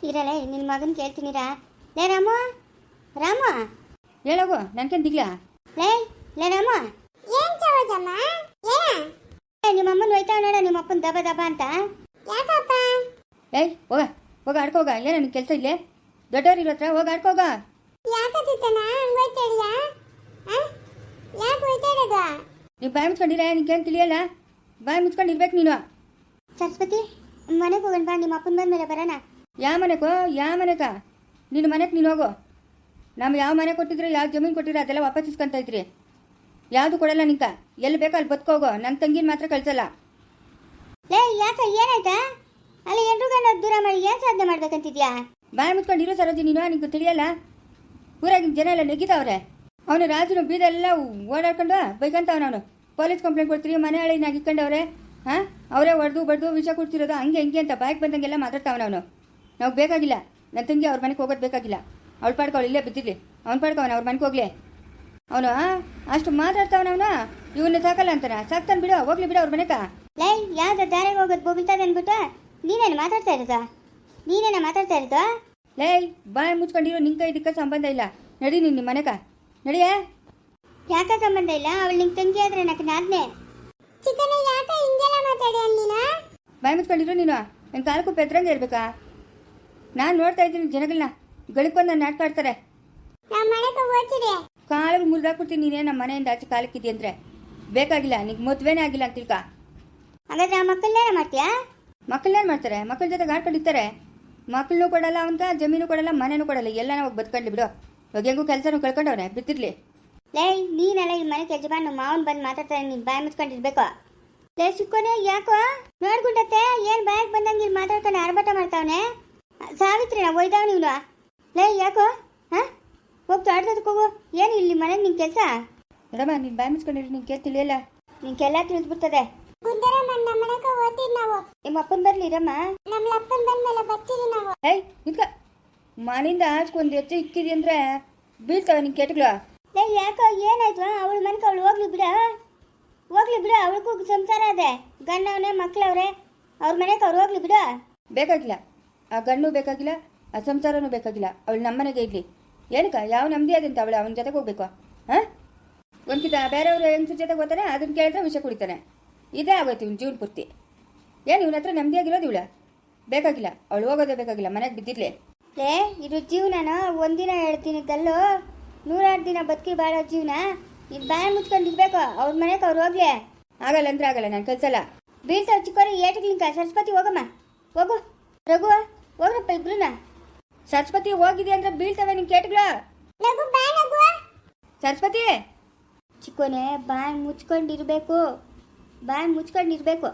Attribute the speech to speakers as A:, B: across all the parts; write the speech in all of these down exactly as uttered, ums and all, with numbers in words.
A: ಇರಲ್ಲ ನಿನ್ನ ಮಗನ ಕೇಳ್ತೀನಿರಾ. ಲೇ ರಾಮ ರಾಮ
B: ಹೇಳೋಗು ನನ್ಕೇನು ದಿಗ್ಲಾ.
A: ಲೇ ಲೇ ರಾಮ
C: ಏನ್ ಚವಜಮ್ಮ ಏನ
A: ನಿಮ್ಮ ಅಮ್ಮನ ಹೋಯ್ತಾವ ನೋಡ ನಿಮ್ಮ ಅಪ್ಪನ ದಬ ದಬ ಅಂತ.
C: ಯಾಕಪ್ಪ
B: ಏಯ್ ಹೋಗ ಹೋಗ ಆಡ್ಕೋಗ. ಏನೋ ನಿನ್ ಕೆಲಸ ಇಲ್ಲೇ ದೊಡ್ಡವ್ರು ಇರೋ ಹತ್ರ ಹೋಗ ಆಡ್ಕೋಗ.
C: ಯಾಕತ್ತಿತ್ತನ ಹಂಗ ಹೋಯ್ತಾಡಿಯ ಯಾಕೆ ಹೋಯ್ತಾಡೋದು?
B: ನೀವು ಬಾಯಿ ಮುಚ್ಕೊಂಡಿರ ನಿನ್ಗೇನು ತಿಳಿಯಲ್ಲ. ಬಾಯಿ ಮುಚ್ಕೊಂಡಿರ್ಬೇಕು ನೀನು.
A: ಸರಸ್ವತಿ ಮನೆಗೆ ಹೋಗೋಣ ಬಾ, ನಿಮ್ಮ ಅಪ್ಪನ ಬಂದ ಮೇಲೆ ಬರೋಣ.
B: ಯಾವ ಮನೆಗೋ ಯಾವ ಮನೆಗ ನಿನ್ನ ಮನೆಗೆ ನೀನು ಹೋಗು. ನಮ್ಗೆ ಯಾವ ಮನೆ ಕೊಟ್ಟಿದ್ರೆ ಯಾವ ಜಮೀನು ಕೊಟ್ಟಿದ್ರೆ ಅದೆಲ್ಲ ವಾಪಸ್ ಇಸ್ಕೊಂತ ಇದ್ರಿ. ಯಾವುದು ಕೊಡಲ್ಲ ನಿಂಕ. ಎಲ್ಲಿ ಬೇಕೋ ಅಲ್ಲಿ ಬದುಕೋಗೋ. ನನ್ನ ತಂಗಿನ ಮಾತ್ರ ಕಳ್ಸಲ್ಲ.
A: ಲೇ ಯಾಕ ಏನಾಯ್ತಾ? ಅಲ್ಲಿ ಎಂಟ್ರು ಗಂಡ ದೂರ ಮಾಡಿ ಏನು ಸಾಧನೆ ಮಾಡ್ಬೇಕಂತಿದ್ಯಾ?
B: ಬಾಯಿ ಮುಚ್ಕೊಂಡಿರೋ ಸರೋಜಿ ನೀನು. ನಿಂಗೆ ತಿಳಿಯಲ್ಲ. ಊರಾಗಿನ ಜನ ಎಲ್ಲ ನೆಗಿತಾವ್ರೆ. ಅವನು ರಾಜನು ಬೀದೆಲ್ಲ ಓಡಾಡ್ಕೊಂಡು ಬೈಕಂತವನು. ಅವನು ಪೊಲೀಸ್ ಕಂಪ್ಲೇಂಟ್ ಕೊಡ್ತೀರಿ ಮನೆ ಹಳಿನಾಗ ಇಕ್ಕೊಂಡವ್ರೆ. ಹಾಂ ಅವರೇ ಹೊಡೆದು ಬಡ್ದು ವಿಷ ಕೊಡ್ತಿರೋದು ಹಂಗೆ ಹಿಂಗೆ ಅಂತ ಬಾಯ್ಗೆ ಬಂದಂಗೆಲ್ಲ ಮಾತಾಡ್ತಾವನ ಅವನು. ನಾವು ಬೇಕಾಗಿಲ್ಲ. ನನ್ನ ತಂಗಿ ಅವ್ರ ಮನೆಗೆ ಹೋಗೋದು ಬೇಕಾಗಿಲ್ಲ. ಅವಳು ಪಾಡ್ಕೊ ಅವಳು ಇಲ್ಲೇ ಬಿದ್ದಿರಲಿ. ಅವ್ನು ಪಾಡ್ಕವನ ಅವ್ರ ಮನೆಗೆ ಹೋಗ್ಲಿ. ಅವನು ಅಷ್ಟು ಮಾತಾಡ್ತಾವನವನ. ಇವನ್ನ ಸಾಕಲ್ಲ ಅಂತಾನ. ಸಾಕ್ತಾನೆ ಬಿಡು, ಹೋಗ್ಲಿ ಬಿಡು ಅವ್ರ ಮನೆಗ.
A: ಲೇ ಯಾವ್ದು ದಾರಿಗೆ ಹೋಗೋದು ಬೋಗಿಲ್ತದೆ ಅಂದ್ಬಿಟ್ಟು ನೀನೇನು ಮಾತಾಡ್ತಾ ಇರೋದು? ನೀನೇನ ಮಾತಾಡ್ತಾ ಇರೋದು?
B: ಲೇ ಬಾಯಿ ಮುಚ್ಕೊಂಡಿರೋ ನಿಂಕ ಇದಕ್ಕೆ ಸಂಬಂಧ ಇಲ್ಲ. ನಡಿ ನೀನು ನಿಮ್ಮ ಮನೆಗ ನಡಿಯೇ.
A: ಯಾಕ ಸಂಬಂಧ ಇಲ್ಲ? ಅವಳು ನಿಂಗೆ ತಂಗಿ ಆದ್ರೆ ನನಗೆ ನಾದ್ನೆ.
C: ಚಿಕ್ಕನ ಯಾಕ ಹಿಂಗೆಲ್ಲ ಮಾತಾಡಿ ಅಲ್ಲಿನ?
B: ಬಾಯಿ ಮುಚ್ಕೊಂಡಿರೋ ನೀನು. ನನ್ನ ಕಾಲಕ್ಕೂ ಪೆದ್ರಂಗೆ ಇರ್ಬೇಕಾ? ನಾನು ನೋಡ್ತಾ ಇದ್ದೀನಿ ಜನಗಳನ್ನ ಗಳಿಕೊಂದು ನಾನು ನಾಟಕ ಆಡ್ತಾರೆ.
C: ನಮ್ಮ ಮನೆಗೆ ಹೋಗ್ತಿದೆ
B: ಕಾಲಿಗೆ ಮುರಿದಾಕ್ಬಿಡ್ತೀನಿ ನೀನೇ ನಮ್ಮ ಮನೆಯಿಂದ ಆಚೆ ಕಾಲಕ್ಕಿದ್ದಿ ಅಂದರೆ. ಬೇಕಾಗಿಲ್ಲ ನಿಂಗೆ ಮದುವೆನೇ ಆಗಿಲ್ಲ ಅಂತ ತಿಳ್ಕ.
A: ಹಾಗಾದ್ರೆ ಆ ಮಕ್ಕಳನ್ನೇನ ಮಾಡ್ತೀಯಾ?
B: ಮಕ್ಕಳನ್ನೇನು ಮಾಡ್ತಾರೆ? ಮಕ್ಕಳ ಜೊತೆಗೆ ಆಡ್ಕೊಂಡಿರ್ತಾರೆ. ಮಕ್ಕಳನ್ನೂ ಕೊಡಲ್ಲ ಅವನ್ಕ, ಜಮೀನು ಕೊಡಲ್ಲ, ಮನೇನೂ ಕೊಡಲ್ಲ. ಎಲ್ಲ ನಾವು ಬದುಕೊಂಡ್ಲಿ ಬಿಡು. ಇವಾಗ ಹೆಂಗೂ ಕೆಲಸನೂ ಕಳ್ಕೊಂಡವ್ರೆ ಬಿತ್ತಿರ್ಲಿ.
A: ಲೇ ನೀನೆಲ್ಲ ಈ ಮನೆ ಯಜಮಾನ ಮಾವನ್ ಬಂದು ಮಾತಾಡ್ತಾರೆ. ನೀನು ಬಾಯಿ ಮುಚ್ಕೊಂಡಿರ್ಬೇಕು. ಲೇ ಸಿಕ್ಕೋನೆ ಯಾಕೋ ನೋಡ್ಗುಂಡತ್ತೆ ಏನು ಬಾಯಿಗೆ ಬಂದಂಗೆ ಇಲ್ಲಿ ಮಾತಾಡ್ಕೊಂಡು ಆರ್ಭಟ ಮಾಡ್ತಾವನೆ. ಸಾವಿತ್ರಿ ನಾ ಒಯ್ದಾವ ನೀನು. ಲೇ ಯಾಕೋ ಹಾಂ ಹೋಗ್ತು ಆಡ್ದದಕ್ಕೆ ಹೋಗು. ಏನು ಇಲ್ಲಿ ಮನೆಗೆ ನಿನ್ನ ಕೆಲಸ?
B: ಮೇಡಮ ನೀನು ಬಾಯಿ ಮುಚ್ಕೊಂಡಿರಿ. ನಿಂಗೆ ಕೇಳಿ ತಿಳಿಯಲ್ಲ.
A: ನಿಂಗೆಲ್ಲ ತಿಳಿದ್ಬಿಡ್ತದೆ.
C: ಗುಂಡರಮ್ಮ ನಮ್ಮ ಮನೆಗೆ ಹೋಗ್ತೀವಿ ನಾವು.
A: ನಿಮ್ಮ ಅಪ್ಪನ ಬರ್ಲಿ ಇರಮ್ಮ.
C: ನಮ್ಮ ಅಪ್ಪನ ಬಂದ್ಮೇಲೆ ಬರ್ತೀರಿ ನಾವು.
B: ಏಯ್ ನಿಂತ್ಕ. ಮನೆಯಿಂದ ಆಚ್ಕೊಂಡು ಹೆಚ್ಚು ಇಕ್ಕಿದಿ ಅಂದರೆ ಬೀಳ್ತಾವೆ ನಿಂಗೆ ಕೆಟ್ಟಗಳು.
A: ಲೇ ಯಾಕೋ ಏನಾಯ್ತು? ಅವಳ ಮನೆಗೆ ಅವಳು ಹೋಗ್ಲಿ ಬಿಡ ಹೋಗ್ಲಿ ಬಿಡು. ಅವಳಿಗೂ ಸಂಸಾರ ಅದೇ, ಗಂಡವನೇ ಮಕ್ಳವ್ರೆ. ಅವ್ರ ಮನೆಗೆ ಅವ್ರು ಹೋಗ್ಲಿ ಬಿಡು.
B: ಬೇಕಾಗಿಲ್ಲ. ಆ ಗಂಡು ಬೇಕಾಗಿಲ್ಲ, ಆ ಸಂಸಾರನೂ ಬೇಕಾಗಿಲ್ಲ. ಅವಳು ನಮ್ಮನೆಗೆ ಇರಲಿ. ಏನಕ್ಕ ಯಾವ ನಮ್ಮದೇ ಅದಂತ ಅವಳು ಅವನ ಜೊತೆಗೆ ಹೋಗ್ಬೇಕು. ಹಾಂ ಒಂದ್ಕಿತ ಬೇರೆಯವರು ಹೆಂಗಸ್ರ ಜೊತೆಗೆ ಹೋಗ್ತಾನೆ. ಅದನ್ನ ಕೇಳಿದ್ರೆ ವಿಷಯ ಕುಡಿತಾನೆ. ಇದೇ ಆಗೋಯ್ತು ಇವ್ನು ಜೀವನ ಪೂರ್ತಿ. ಏನು ಇವನ ಹತ್ರ ನೆಮ್ಮದಿಯಾಗಿರೋದು ಇವಳ. ಬೇಕಾಗಿಲ್ಲ. ಅವಳು ಹೋಗೋದೇ ಬೇಕಾಗಿಲ್ಲ. ಮನೆಗೆ ಬಿದ್ದಿರ್ಲಿ.
A: ಲೇ ಇದು ಜೀವನನ ಒಂದಿನ ಹೇಳ್ತೀನಿ ಕಲ್ಲು, ನೂರಾರು ದಿನ ಬದುಕಿ ಬಾಳೋ ಜೀವನ. ಇದು ಬಾಯ ಮುಚ್ಕೊಂಡು ಇರ್ಬೇಕು. ಅವ್ರ ಮನೆಗೆ ಅವ್ರು ಹೋಗ್ಲಿ.
B: ಆಗಲ್ಲ ಅಂದ್ರೆ ಆಗಲ್ಲ. ನಾನು ಕಲ್ಸಲ್ಲ.
A: ಬೀಳ್ತಾವ ಚಿಕ್ಕೋರಿ ಏಟಿಗ್ಲಿಂಕ. ಸರಸ್ವತಿ ಹೋಗಮ್ಮ ಹೋಗು. ರಘು ಹೋಗ್ರಪ್ಪ ಇಬ್ರುನ.
B: ಸರಸ್ವತಿ ಹೋಗಿದೆ ಅಂದ್ರೆ ಬೀಳ್ತವೆ ನಿನ್ ಕೇಟ್ಗಳ.
C: ನಗು ಬಾ ನಗು.
B: ಸರಸ್ವತಿ
A: ಚಿಕ್ಕೋನೆ ಬಾಯಿ ಮುಚ್ಕೊಂಡಿರ್ಬೇಕು. ಬಾಯಿ ಮುಚ್ಕೊಂಡಿರ್ಬೇಕು.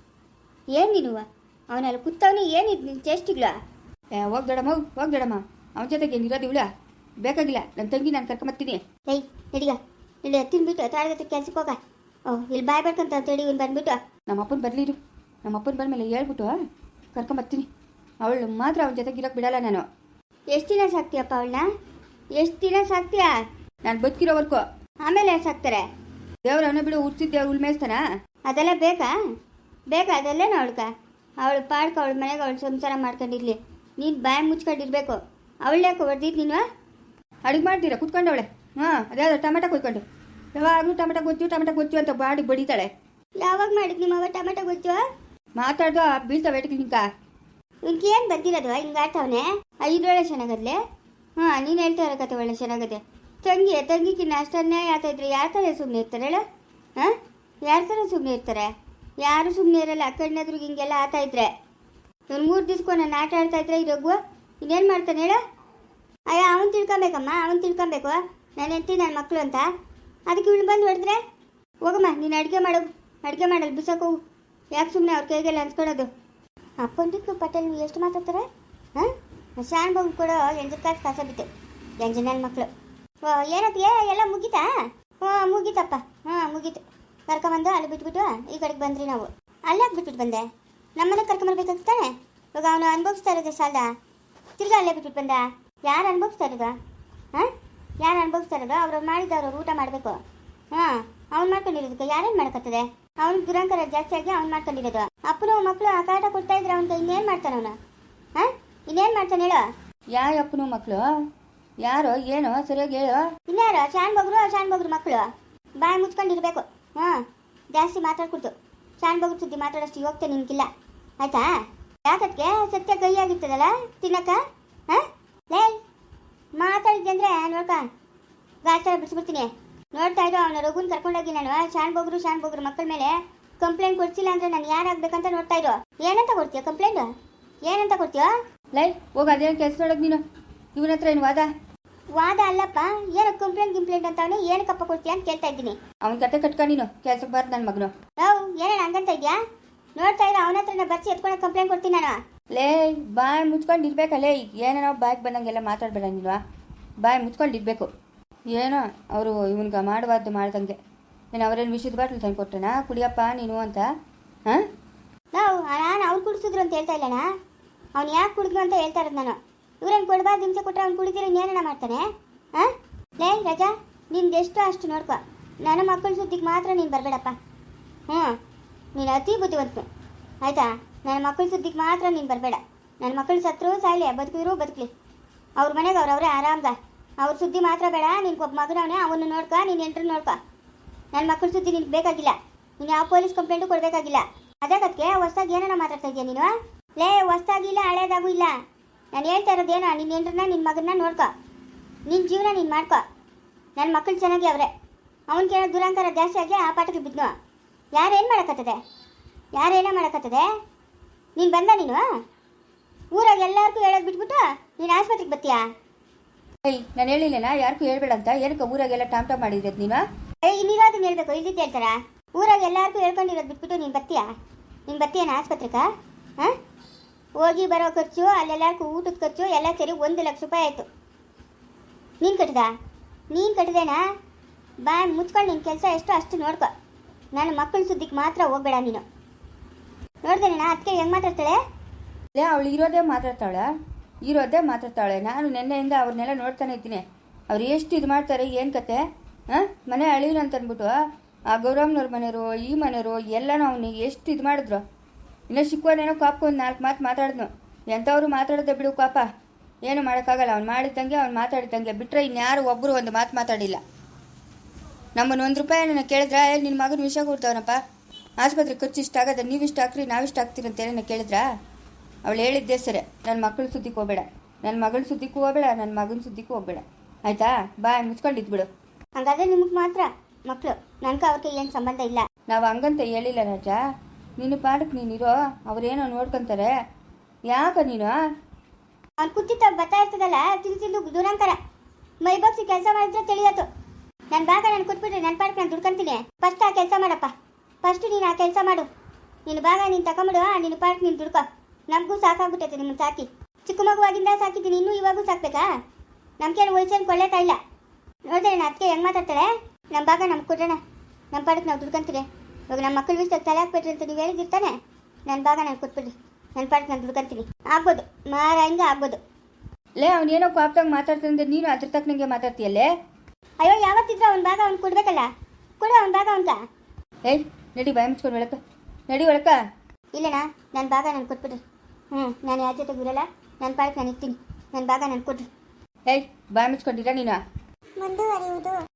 A: ಏನು ನೀನುವ ಅವನಲ್ಲಿ ಕೂತವನು ಏನಿದ್ ನಿನ್ನ ಚೇಷ್ಟಿಗ್ಲ?
B: ಏ ಹೋಗ್ ದೊಡಮ್ಮ ಹೋಗ್ ಹೋಗ್ ದೊಡಮ್ಮ. ಅವನ ಜೊತೆಗೆ ಏನಿರೋದು ಇವಳ. ಬೇಕಾಗಿಲ್ಲ. ನನ್ನ ತಂಗಿ ನಾನು ಕರ್ಕೊಂಬರ್ತೀನಿ.
A: ಏಯ್ ನಡಿಗ ಇಲ್ಲಿ ತಿನ್ಬಿಟ್ಟು ತಾಳಗತ್ತೆ ಕೆಲ್ಸಕ್ಕೆ ಹೋಗ. ಓ ಇಲ್ಲಿ ಬಾಯ್ ಬರ್ಕಂತ ಅಂತೇಳಿ ಇವ್ನು ಬಂದ್ಬಿಟ್ಟು.
B: ನಮ್ಮ ಅಪ್ಪನ ಬರಲಿರು. ನಮ್ಮ ಅಪ್ಪನ ಬಂದಮೇಲೆ ಹೇಳ್ಬಿಟ್ಟು ಕರ್ಕೊಂಬರ್ತೀನಿ. ಅವಳು ಮಾತ್ರ ಅವನ ಜೊತೆಗೆ ಇರೋಕೆ ಬಿಡಲ್ಲ ನಾನು.
A: ಎಷ್ಟು ದಿನ ಸಾಕ್ತೀಯಪ್ಪ ಅವಳನ್ನ? ಎಷ್ಟು ದಿನ ಸಾಕ್ತೀಯಾ?
B: ನಾನು ಬದುಕಿರೋವರೆಗೂ.
A: ಆಮೇಲೆ ಸಾಕ್ತಾರೆ.
B: ದೇವ್ರ ಅವನ ಬಿಡು ಉಡ್ಸಿದ್ದೆ ಅವ್ಳು ಮೇಯಿಸ್ತಾನ.
A: ಅದೆಲ್ಲ ಬೇಕಾ? ಬೇಕಾ ಅದೆಲ್ಲೇನೋ ಅವಳ್ಕ? ಅವಳು ಪಾಡ್ಕ ಅವಳ ಮನೆಗೆ ಅವಳು ಸಂಸಾರ ಮಾಡ್ಕೊಂಡಿರ್ಲಿ. ನೀನು ಬಾಯಿ ಮುಚ್ಕೊಂಡಿರ್ಬೇಕು. ಅವಳ್ಯಾಕೆ ಹೊಡೆದಿದ್ದು ನೀನು?
B: ಅಡುಗೆ ಮಾಡ್ತೀರಾ ಕುತ್ಕೊಂಡವಳೆ. ಹಾಂ ಅದ್ಯಾವುದು ಟೊಮೆಟೊ ಕೊಯ್ಕೊಂಡು ಯಾವಾಗಲೂ ಟೊಮೆಟೊ ಗೊಜ್ಜು ಟೊಮೆಟೊ ಗೊಜ್ಜು ಅಂತ ಬಾಡಿ ಬಡಿತಾಳೆ.
A: ಯಾವಾಗ ಮಾಡಿದ್ ನಿಮ್ಮ ಅವ ಟೊಮೆಟೊ ಗೊಜ್ಜು?
B: ಮಾತಾಡ್ದು ಬೀಳ್ತಾವೆ ಎಟಕ್ಕೆ ನಿಂಕ.
A: ಇವ್ನಿಗೆ ಏನು ಬಂದಿರೋದು ಹಿಂಗೆ ಆಡ್ತಾವನೆ? ಐದೊಳ್ಳೆ ಚೆನ್ನಾಗದ್ಲೆ. ಹಾಂ ನೀನು ಹೇಳ್ತಾ ಇರೋ ಕತೆ ಒಳ್ಳೆ ಚೆನ್ನಾಗದೆ. ತಂಗಿ ತಂಗಿಗಿನ್ನ ಅಷ್ಟು ಅನ್ಯಾಯ ಆಗ್ತಾ ಇದ್ರೆ ಯಾರ ಥರ ಸುಮ್ಮನೆ ಇರ್ತಾರೆ ಹೇಳ? ಹಾಂ ಯಾರ ಥರ ಸುಮ್ಮನೆ ಇರ್ತಾರೆ? ಯಾರು ಸುಮ್ಮನೆ ಇರಲ್ಲ. ಕಣ್ಣೆದ್ರಿಗೆ ಹಿಂಗೆಲ್ಲ ಆತಾ ಇದ್ರೆ. ಇವ್ನು ಮೂರು ದಿವ್ಸಕ್ಕೂ ನಾನು ಆಟ ಆಡ್ತಾ ಇದ್ರೆ ಈ ರಘು ಇನ್ನೇನು ಮಾಡ್ತಾನೆ ಹೇಳ? ಅಯ್ಯ ಅವನು ತಿಳ್ಕೊಬೇಕಮ್ಮ. ಅವನು ತಿಳ್ಕೊಬೇಕು ನಾನು ಹೆಂಡ್ತಿ ನನ್ನ ಮಕ್ಕಳು ಅಂತ. ಅದಕ್ಕೆ ಇವಳು ಬಂದು ಹೊಡೆದ್ರೆ ಹೋಗಮ್ಮ ನೀನು ಅಡುಗೆ ಮಾಡೋದು. ಅಡುಗೆ ಮಾಡಲ್ಲ ಬಿಸೋಕೆ ಹೋಗು. ಯಾಕೆ ಸುಮ್ಮನೆ ಅವ್ರ ಕೈಗೆಲ್ಲ ಅನ್ಸ್ಕೊಳೋದು? ಪಂಡಿತ್ ಪಟೇಲ್ ಎಷ್ಟು ಮಾತಾಡ್ತಾರೆ? ಹಾಂ ಶಾನ್ ಬಾಬು ಕೊಡೋ ಎಂಟು ಕಾಸು ಕಾಸ ಬಿತ್ತು ಎಂಟು ಜನ ಮಕ್ಕಳು. ಓ ಏನಕ್ಕೆ ಎಲ್ಲ ಮುಗೀತಾ? ಹ್ಞೂ ಮುಗೀತಪ್ಪ. ಹಾಂ ಮುಗೀತು. ಕರ್ಕೊಂಬಂದು ಅಲ್ಲಿ ಬಿಟ್ಬಿಟ್ಟು ಈ ಕಡೆಗೆ ಬಂದ್ರಿ ನಾವು. ಅಲ್ಲೇ ಬಿಟ್ಬಿಟ್ಟು ಬಂದೆ. ನಮ್ಮನೆ ಕರ್ಕೊಂಬರ್ಬೇಕಾಗ್ತಾನೆ. ಇವಾಗ ಅವನು ಅನುಭವಿಸ್ತಾ ಇರೋದು ಸಾಲ. ತಿರ್ಗಾ ಅಲ್ಲೇ ಬಿಟ್ಬಿಟ್ಟು ಬಂದ. ಯಾರು ಅನುಭವಿಸ್ತಾ ಇರೋದು? ಹಾಂ ಯಾರು ಅನುಭವಿಸ್ತಾ ಇರೋದು? ಅವ್ರು ಮಾಡಿದವ್ರು ಊಟ ಮಾಡಬೇಕು. ಹಾಂ ಅವ್ನು ಮಾಡ್ಕೊಂಡಿರೋದಕ್ಕೆ ಯಾರೇನು ಮಾಡಕತ್ತದೆ? ಅವ್ನು ದುರಂಕಾರ ಜಾಸ್ತಿ ಆಗಿ ಅವ್ನು ಮಾಡ್ಕೊಂಡಿರೋದು. ಅಪ್ಪನು ಮಕ್ಕಳು ಆ ಕಾಟ ಕೊಡ್ತಾ ಇದ್ರೆ ಅವ್ನಿಗೆ ಇನ್ನೇನು ಮಾಡ್ತಾನೆ ಅವನು? ಹಾಂ ಇನ್ನೇನು ಮಾಡ್ತಾನೆ ಹೇಳು?
B: ಯಾ ಅಪ್ಪನು ಮಕ್ಕಳು ಯಾರೋ ಏನೋ ಸರಿಯಾಗಿ ಹೇಳು.
A: ಇನ್ಯಾರು ಶಾನ್ ಬಗ್ರು ಶಾನ್ ಬಗ್ರು ಮಕ್ಕಳು ಬಾಯಿ ಮುಚ್ಕೊಂಡಿರ್ಬೇಕು. ಹಾಂ, ಜಾಸ್ತಿ ಮಾತಾಡ್ಕೊಡ್ತು. ಶಾನ್ ಬಗ್ರು ಸುದ್ದಿ ಮಾತಾಡೋಷ್ಟು ಹೋಗ್ತೆ ನಿನ್ಗಿಲ್ಲ, ಆಯ್ತಾ? ಯಾಕಕ್ಕೆ ಸತ್ಯ ಕೈ ಆಗಿರ್ತದಲ್ಲ ತಿನ್ನಕ್ಕ? ಹಾಂ ಲೇ ಮಾತಾಡಿದ್ದೆ ಅಂದರೆ ನೋಡ್ಕ ಗಾಚಾರ ಬಿಡಿಸ್ಬಿಡ್ತೀನಿ. ನೋಡ್ತಾ ಇರೋ ಅವನ ರಘುನ್ ಕರ್ಕೊಂಡೋಗಿ ನಾನು ಶಾನ್ ಬಗ್ರು ಶಾನ್ ಬಗ್ರು ಮಕ್ಕಳ ಮೇಲೆ ಕಂಪ್ಲೇಂಟ್ ಕೊಡ್ಸಿಲ್ಲ ಅಂದರೆ ನಾನು ಯಾರಾಗಬೇಕಂತ ನೋಡ್ತಾ ಇರೋ. ಏನಂತ ಕೊಡ್ತೀಯ ಕಂಪ್ಲೇಂಟ್? ಏನಂತ ಕೊಡ್ತೀಯೋ?
B: ಲೈ ಹೋಗ ಅದೇನು ಕೆಲಸ ನೋಡೋದು ನೀನು. ಇವನ ಹತ್ರ ಏನು ವಾದ?
A: ವಾದ ಅಲ್ಲಪ್ಪ, ಏನು ಕಂಪ್ಲೇಂಟ್ ಗಿಂಪ್ಲೇಂಟ್ ಅಂತ ಅವನು ಏನಕ್ಕಪ್ಪ ಕೊಡ್ತೀಯ ಅಂತ ಕೇಳ್ತಾ ಇದ್ದೀನಿ.
B: ಅವನ ಕತೆ ಕಟ್ಕ ನೀನು ಕೆಲ್ಸಕ್ಕೆ ಬಾರ್ದು ನನ್ನ ಮಗನು.
A: ನಾವು ಏನೇನು ಹಂಗಂತ ಇದೆಯಾ? ನೋಡ್ತಾ ಇರೋ ಅವನ ಹತ್ರನ ಬರ್ಸಿ ಎತ್ಕೊಂಡು ಕಂಪ್ಲೇಂಟ್ ಕೊಡ್ತೀನಿ ನಾನು.
B: ಲೇ ಬಾಯಿ ಮುಚ್ಕೊಂಡು ಇರ್ಬೇಕಲ್ಲೇ, ಏನೇನೋ ಬಾಯ್ಗೆ ಬಂದಂಗೆಲ್ಲ ಮಾತಾಡ್ಬೇಡ ನೀನು. ಬಾಯಿ ಮುಚ್ಕೊಂಡು ಇರಬೇಕು. ಏನೋ ಅವರು ಇವನ್ಗೆ ಮಾಡಬಾರ್ದು ಮಾಡ್ದಂಗೆ. నేను ಅವರೇನು ವಿಷಯದ ಬಾಟ್ಲು ತಂದು ಕೊಟ್ಟೆನಾ ಕುಡಿಯಪ್ಪ ನೀನು ಅಂತ? ಹಾಂ,
A: ನಾವು ನಾನು ಅವ್ರು ಕುಡಿಸಿದ್ರು ಅಂತ ಹೇಳ್ತಾ ಇಲ್ಲಣ್ಣ, ಅವ್ನು ಯಾಕೆ ಕುಡಿದ್ರು ಅಂತ ಹೇಳ್ತಾ ಇರೋದು ನಾನು. ಇವ್ರೇನು ಕೊಡಬಾರ್ದು ಹಿಂಸೆ ಕೊಟ್ಟರೆ ಅವ್ನು ಕುಡಿದಿರೋ ಇನ್ನೇನಣ್ಣ ಮಾಡ್ತಾನೆ? ಹಾಂ ಲೇ ರಜಾ, ನಿಮ್ದು ಎಷ್ಟು ಅಷ್ಟು ನೋಡ್ಕೊ. ನನ್ನ ಮಕ್ಕಳ ಸುದ್ದಿಗೆ ಮಾತ್ರ ನೀನು ಬರಬೇಡಪ್ಪ. ಹ್ಞೂ, ನೀನು ಅತಿ ಬುದ್ಧಿವಂತನು ಆಯಿತಾ? ನನ್ನ ಮಕ್ಕಳ ಸುದ್ದಿಗೆ ಮಾತ್ರ ನೀನು ಬರಬೇಡ. ನನ್ನ ಮಕ್ಕಳು ಸತ್ರು ಸಾಯ್ಲಿ, ಬದುಕಿದ್ರು ಬದುಕಲಿ, ಅವ್ರ ಮನೆಗೆ ಅವ್ರವ್ರೆ ಆರಾಮ್ಗ. ಅವ್ರ ಸುದ್ದಿ ಮಾತ್ರ ಬೇಡ. ನಿನ್ಗೆ ಒಬ್ಬ ಮಗನವನೇ, ಅವನು ನೋಡ್ಕೊ, ನೀನು ಎಂಟ್ರು ನೋಡ್ಕೊ. ನನ್ನ ಮಕ್ಕಳ ಸುದ್ದಿ ನಿನ್ಗೆ ಬೇಕಾಗಿಲ್ಲ. ನೀನು ಯಾವ ಪೊಲೀಸ್ ಕಂಪ್ಲೇಂಟು ಕೊಡಬೇಕಾಗಿಲ್ಲ. ಅದಕ್ಕೆ ಹೊಸ್ದಾಗಿ ಏನಾರ ಮಾತಾಡ್ತಾ ಇದೆಯಾ ನೀನು? ಲೇ ಹೊಸ್ದಾಗಿಲ್ಲ ಹಳೇದಾಗೂ ಇಲ್ಲ. ನಾನು ಹೇಳ್ತಾ ಇರೋದೇನೋ, ನಿನ್ನ ಹೆಂಡ್ರನ್ನ ನಿನ್ನ ಮಗನ್ನ ನೋಡ್ಕೊ, ನಿನ್ನ ಜೀವನ ನೀನು ಮಾಡ್ಕೊ. ನನ್ನ ಮಕ್ಕಳು ಚೆನ್ನಾಗಿ ಅವರೇ, ಅವನಿಗೇನೋ ದುರಂಕಾರ ಜಾಸ್ತಿ ಆಗಿ ಆ ಪಾಠಕ್ಕೆ ಬಿದ್ನು. ಯಾರೇನು ಮಾಡೋಕ್ಕತ್ತದೆ? ಯಾರೇನೋ ಮಾಡೋಕ್ಕತ್ತದೆ? ನೀನು ಬಂದ ನೀನು ಊರಾಗ ಎಲ್ಲರಿಗೂ ಹೇಳೋದು ಬಿಟ್ಬಿಟ್ಟು ನೀನು ಆಸ್ಪತ್ರೆಗೆ ಬರ್ತೀಯಾ?
B: ಏಯ್ ನಾನು ಹೇಳಿಲ್ಲನಾ ಯಾರಿಗೂ ಹೇಳ್ಬೇಡ ಅಂತ. ಏನಕ್ಕೆ ಊರಾಗೆಲ್ಲ ಟಾಮ್ ಟಾಮ್ ಮಾಡಿರೋದು ನೀನು?
A: ಏಯ್ ಇನ್ನಿರೋದನ್ನ ಹೇಳ್ಬೇಕು, ಇಲ್ಲಿದ್ದು ಹೇಳ್ತಾರ? ಊರಾಗ ಎಲ್ಲರಿಗೂ ಹೇಳ್ಕೊಂಡಿರೋದು ಬಿಟ್ಬಿಟ್ಟು ನೀನು ಬರ್ತೀಯಾ? ನೀನು ಬರ್ತೀಯನ ಆಸ್ಪತ್ರೆಗೆ? ಹಾಂ, ಹೋಗಿ ಬರೋ ಖರ್ಚು, ಅಲ್ಲೆಲ್ಲರಿಗೂ ಊಟದ ಖರ್ಚು ಎಲ್ಲ ಸೇರಿ ಒಂದು ಲಕ್ಷ ರೂಪಾಯಿ ಆಯಿತು. ನೀನು ಕಟ್ಟಿದ? ನೀನು ಕಟ್ಟಿದೇನಾ? ಬಾ ಮುಚ್ಕೊಂಡು ನಿನ್ನ ಕೆಲಸ ಎಷ್ಟು ಅಷ್ಟು ನೋಡ್ಕೊ. ನನ್ನ ಮಕ್ಕಳ ಸುದ್ದಿಗೆ ಮಾತ್ರ ಹೋಗ್ಬೇಡ ನೀನು. ನೋಡ್ದೇನಣ್ಣ ಅದಕ್ಕೆ ಹೆಂಗೆ ಮಾತಾಡ್ತಾಳೆ?
B: ಲೇ ಅವಳು ಇರೋದೇ ಮಾತಾಡ್ತಾಳೆ, ಇರೋದೇ ಮಾತಾಡ್ತಾಳೆ. ನಾನು ನಿನ್ನೆಯಿಂದ ಅವ್ರನ್ನೆಲ್ಲ ನೋಡ್ತಾನೆ ಇದ್ದೀನಿ. ಅವ್ರು ಎಷ್ಟು ಇದು ಮಾಡ್ತಾರೆ, ಏನು ಕತೆ? ಹಾಂ, ಮನೆ ಅಳಿನ ಅಂತ ಅಂದ್ಬಿಟ್ಟು ಆ ಗೌರಮ್ಮನವ್ರ ಮನೆಯವರು ಈ ಮನೆಯವರು ಎಲ್ಲನೂ ಅವನಿಗೆ ಎಷ್ಟು ಇದು ಮಾಡಿದ್ರು. ಇನ್ನೂ ಸಿಕ್ಕುವನೇನೋ ಕಾಪ್ಕೊ ಒಂದು ನಾಲ್ಕು ಮಾತು ಮಾತಾಡಿದ್ನು. ಎಂಥವ್ರು ಮಾತಾಡೋದೇ ಬಿಡು ಕಾಪ, ಏನು ಮಾಡೋಕ್ಕಾಗಲ್ಲ. ಅವ್ನು ಮಾಡಿದ್ದಂಗೆ ಅವ್ನು ಮಾತಾಡಿದ್ದಂಗೆ ಬಿಟ್ಟರೆ ಇನ್ಯಾರು ಒಬ್ಬರು ಒಂದು ಮಾತು ಮಾತಾಡಿಲ್ಲ. ನಮ್ಮನ್ನು ಒಂದು ರೂಪಾಯಿ ನನ್ನ ಕೇಳಿದ್ರೆ ನಿನ್ನ ಮಗನ ವಿಷಯ ಕೊಡ್ತಾವನಪ್ಪ, ಆಸ್ಪತ್ರೆ ಖರ್ಚು ಇಷ್ಟ ಆಗದ, ನೀವು ಇಷ್ಟ ಹಾಕ್ರಿ ನಾವಿಷ್ಟು ಹಾಕ್ತೀರಿ ಅಂತೇಳಿ ಕೇಳಿದ್ರಾ? ಅವಳು ಹೇಳಿದ್ದೇ ಸರಿ, ನನ್ನ ಮಕ್ಕಳ ಸುದ್ದಿಗೆ ಹೋಗಬೇಡ, ನನ್ನ ಮಗಳ ಸುದ್ದಿಗೂ ಹೋಗಬೇಡ, ನನ್ನ ಮಗನ ಸುದ್ದಿಗೂ ಹೋಗಬೇಡ, ಆಯಿತಾ? ಬಾಯ್ ಮುಚ್ಕೊಂಡಿದ್ಬಿಡು.
A: ಹಂಗಾದ್ರೆ ನಿಮಗೆ ಮಾತ್ರ ಮಕ್ಕಳು, ನನಗೆ ಅವ್ರಿಗೆ ಏನು ಸಂಬಂಧ ಇಲ್ಲ.
B: ನಾವು ಹಂಗಂತ ಹೇಳಿಲ್ಲ ರಾಜಾ, ನಿನ್ನ ಪಾಡಕ್ಕೆ ನೀನಿರೋ, ಅವ್ರೇನೋ ನೋಡ್ಕೊತಾರೆ. ಯಾಕ ನೀನು
A: ಅವ್ನು ಕುತ್ತಿತ್ತ ಬರ್ತಾ ಇರ್ತದಲ್ಲ ತಿಂದು ತಿಂದು ದುರಂಕರ ಮೈ ಬಗ್ಸಿ ಕೆಲಸ ಮಾಡಿದ್ರೆ ತಿಳಿಯತ್ತು. ನನ್ನ ಭಾಗ ನಾನು ಕೊಟ್ಬಿಟ್ರೆ ನನ್ನ ಪಾಡಕ್ಕೆ ನಾನು ದುಡ್ಕೊಂತೀನಿ. ಫಸ್ಟ್ ಆ ಕೆಲಸ ಮಾಡಪ್ಪ, ಫಸ್ಟ್ ನೀನು ಆ ಕೆಲಸ ಮಾಡು. ನಿನ್ನ ಭಾಗ ನೀನು ತಗೊಂಬಿಡು, ನಿನ್ನ ಪಾಡಕ್ಕೆ ನೀನು ದುಡ್ಕೊ. ನಮಗೂ ಸಾಕಾಗ್ಬಿಟ್ಟೈತೆ ನಿಮ್ಮನ್ನು ಸಾಕಿ. ಚಿಕ್ಕ ಮಗುವಾಗಿಂದ ಸಾಕಿದ್ದೀನಿ, ಇನ್ನೂ ಇವಾಗೂ ಸಾಕ್ಬೇಕಾ? ನಮ್ಗೇನು ವಯಸ್ಸೇನು ಕೊಳ್ಳೇತಾ ಇಲ್ಲ. ನೋಡಿದ್ರೆ ನಾನು ಅದಕ್ಕೆ ಹೆಂಗೆ ಮಾತಾಡ್ತಾಳೆ? ನಮ್ಮ ಭಾಗ ನಮ್ಗೆ ಕೊಡೋಣ, ನಮ್ಮ ಪಾಡಕ್ಕೆ ನಾವು ದುಡ್ಕೊಂತೀವಿ. ಇವಾಗ ನಮ್ಮ ಮಕ್ಕಳ ವಿಷಯಕ್ಕೆ ತಲೆ ಹಾಕ್ಬಿಟ್ರಿ ಅಂತ ನೀವು ಹೇಳಿದಿರ್ತಾನೆ. ನನ್ನ ಭಾಗ ನಾನು ಕೊಟ್ಬಿಡ್ರಿ, ನನ್ನ ಪಾಡಕ್ಕೆ ನಾನು ದುಡ್ಕೊಂತೀನಿ. ಆಗ್ಬೋದು ಮಾರ ಹಿಂಗೆ ಆಗ್ಬೋದು.
B: ಲೇ ಅವನೇನೋ ಕಾಪ್ದಾಗ ಮಾತಾಡ್ತಂದ್ರೆ ನೀನು ಅದ್ರ ತಕ್ಕನಂಗೆ ಮಾತಾಡ್ತೀಯಲ್ಲೇ.
A: ಅಯ್ಯೋ ಯಾವತ್ತಿದ್ರು ಅವ್ನ ಭಾಗ ಅವ್ನು ಕೊಡ್ಬೇಕಲ್ಲ, ಕೊಡು ಅವ್ನ ಭಾಗ ಅವನ್ಕ.
B: ಏಯ್ ನಡಿ ಬಾಯ್ ಮುಚ್ಕೊಂಡು ಒಳಕ, ನಡಿ ಒಳಕ.
A: ಇಲ್ಲಣ್ಣ ನನ್ನ ಭಾಗ ನಾನು ಕೊಟ್ಬಿಡ್ರಿ. ಹ್ಞೂ, ನಾನು ಯಾರ ಜೊತೆಗೆ ಇರಲ್ಲ, ನನ್ನ ಪಾಡಕ್ಕೆ ನಾನು ಇರ್ತೀನಿ. ನನ್ನ ಭಾಗ ನಾನು ಕೊಡ್ರಿ.
B: ಏಯ್ ಬಾಯ್ ಮುಚ್ಕೊಂಡಿರ ನೀನು.
C: ಮುಂದುವರಿಯುವುದು